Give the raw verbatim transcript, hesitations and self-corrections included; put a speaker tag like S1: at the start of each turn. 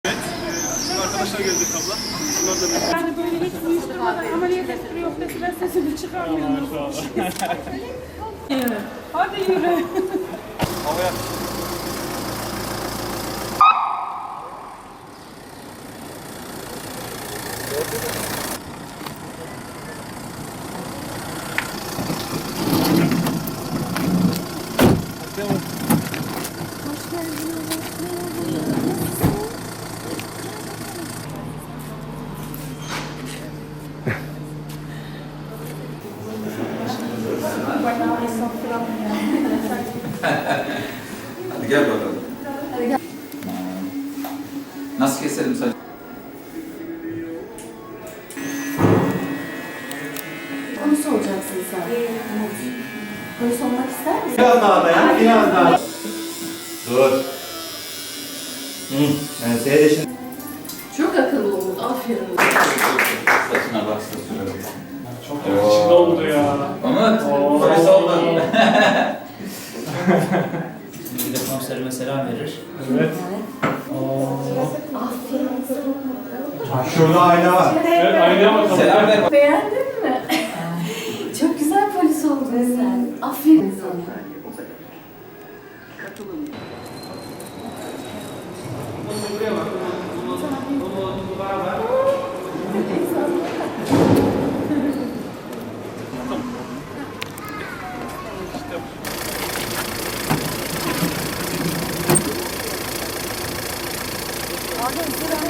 S1: Şimdi arkadaşlar gelecek abla. Bunlar da bir...
S2: Yani böyle hiç uyuşturmadan ameliyat ettiriyor dese ben sesimi çıkarmıyorum. Evet. Hadi yürü.
S1: Havaya. Devam.
S3: Hadi gel bakalım. Nasıl keselim saç?
S4: Konusu olacaksın sen. Konusu olmak ister misin?
S5: Biraz daha dayan, biraz daha. Dur. Hı. Yani seyredin.
S4: Çok akıllı oldu. Aferin.
S3: Saçına baksa sürelim.
S1: Çok yakışıklı oldu ya.
S3: Umut,
S1: Oo.
S3: polis oldun.
S6: Bir de komiserime selam verir.
S1: Evet.
S4: Aferin.
S5: Ha, şurada ayna var.
S1: Evet, aynaya bakalım.
S3: Selam ver.
S4: Beğendin mi? Çok güzel polis oldun sen. Aferin sana.
S2: Hadi sıra.